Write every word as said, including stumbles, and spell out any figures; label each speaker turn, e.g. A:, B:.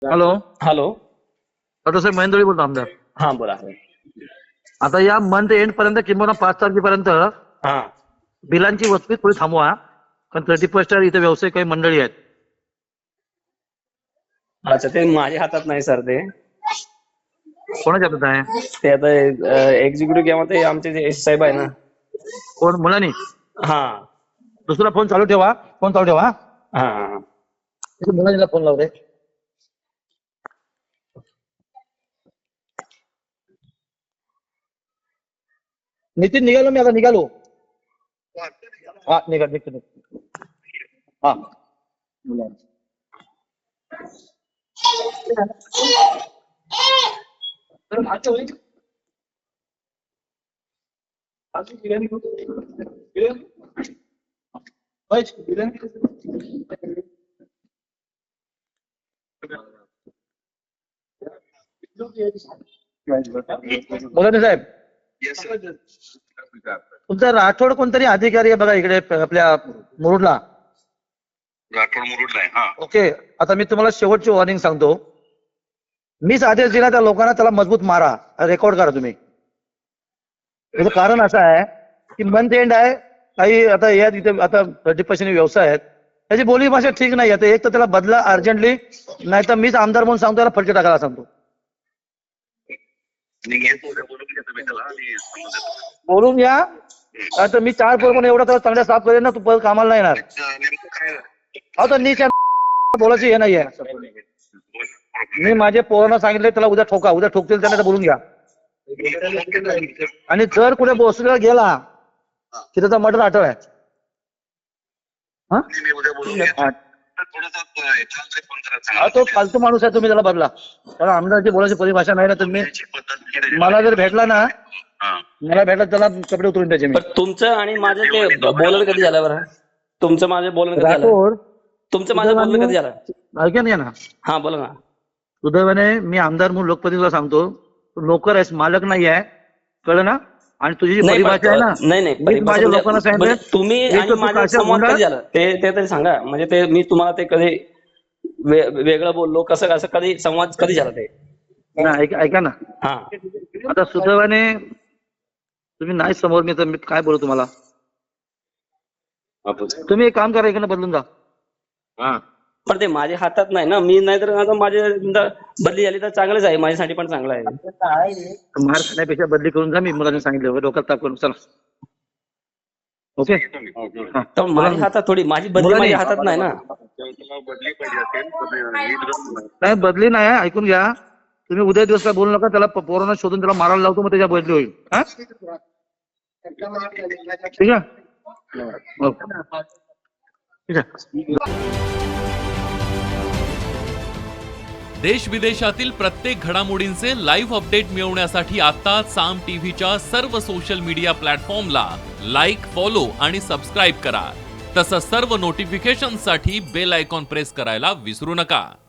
A: Hello
B: hello.
A: Doctor साहेब महेंद्रजी बोलतो आमदार.
B: हा बोला.
A: आता या मंथ एंड पर्यंत किंवा पाच तारखेपर्यंत
B: हा
A: बिलांची वसुली थोडी थांबवा, कारण थर्टी फर्स्ट इथे व्यावसायिक काही मंडळी आहेत.
B: अच्छा, ते माझ्या हातात नाही सर. ते
A: कोणाच्या हातात आहे?
B: ते आता एक्झिक्युटिव्ह किंवा ते आमचे जे एस साहेब आहे ना.
A: कोण मुलांनी?
B: हा
A: दुसरा फोन चालू ठेवा, फोन चालू ठेवा.
B: हा हा
A: मुलांनीला फोन लावले. नितीन निघालो मी, आता निघालो. हा निघा निघतो निघतो. हा मुलांनी मुलांनी साहेब, तुमचा राठोड कोणतरी अधिकारी आहे बघा इकडे आपल्या मुरुडला.
C: राठोड मुरुडला आहे. हा
A: ओके, आता मी तुम्हाला शेवटची वॉर्निंग सांगतो. मीच आदेश दिला त्या लोकांना, त्याला मजबूत मारा. रेकॉर्ड करा तुम्ही. त्याचं कारण असं आहे की मंथ एंड आहे, काही आता या तिथे आता थर्टी पर्सेंट व्यवसाय आहेत, त्याची बोली भाषा ठीक नाही आहे. एक तर त्याला बदला अर्जंटली, नाही तर मीच आमदार म्हणून सांगतो त्याला फटके टाकायला सांगतो. बोलून घ्या, आता मी चार पोर पण एवढा त्याला चांगल्या साफ करेन ना, तू परत कामाला नाही येणार. अहो तर नीच बोलायची हे नाहीये. मी माझे पोरांना सांगितले त्याला उद्या ठोका, उद्या ठोकतील त्यांना, तर बोलून घ्या. आणि जर कुठे बसला गेला की त्याचा मर्डर आठव आहे. हा तो फालतू माणूस आहे, तुम्ही त्याला बदला. त्याला आमदारची बोलायची परिभाषा नाही ना. तुम्ही मला जर भेटला ना, मला भेटला त्याला कपडे उतरून द्यायचे मी.
B: तुमचं आणि माझं ते बोलणं कधी झालं बरं? तुमचं माझं बोलणं कधी झालं?
A: राठोड,
B: तुमचं माझं बोलणं कधी झालं?
A: ऐका नाही ना.
B: हा बोला ना.
A: सुदैवाने मी आमदार म्हणून लोकप्रतिनिधीला सांगतो, तू नोकर आहेस, मालक नाही आहे, कळलं ना. आणि तुझी जी
B: नाही
A: परिभाषा आहे ना,
B: नाही नाही
A: मी
B: परिभाषा
A: माझ्या
B: म्हणजे-
A: लोकांना सांगितलं
B: म्हणजे तुम्ही
A: एक
B: आणि
A: तर तू
B: माझे
A: काशा
B: संवाद
A: गुंडा-
B: कधी झालं ते ते तरी सांगा. म्हणजे ते मी तुम्हाला ते कधी वे- वेगळं बोललो कसं कसं कधी संवाद कधी झाला ते?
A: नाही, ऐका ऐका ना.
B: हा
A: आता सुदैवाने तुम्ही नाही समोर, मी तर मी काय बोलू तुम्हाला. तुम्ही एक काम करा, इकडनं बदलून जा.
C: हा
B: पण ते माझ्या हातात नाही ना. मी नाही तर आता माझे बदली झाली तर चांगलंच आहे, माझ्यासाठी पण चांगलं आहे.
A: मार खाण्यापेक्षा बदली करून जा. मी मुलांनी सांगितलं डोक्यात ताप करून. चला ओके. हा.
B: तर माझ्या हातात थोडी, माझी बदली
A: मुलांनी-
B: माझ्या हातात नाही ना.
C: बदली पाहिजे असेल.
A: नाही बदली नाही, ऐकून घ्या. तुम्ही उद्या दिवस काय बोलू नका. त्याला पोरांना शोधून त्याला मारायला लावतो, मग त्याच्या बदली होईल. हा ठीक आहे. ओके. ठीक आहे.
D: देश विदेशातील प्रत्येक घडामोडींचे लाईव्ह अपडेट मिळवण्यासाठी आता साम टीव्हीच्या सर्व सोशल मीडिया प्लॅटफॉर्मला लाईक, फॉलो आणि सबस्क्राईब करा. तसंच सर्व नोटिफिकेशनसाठी बेल आयकॉन प्रेस करायला विसरू नका.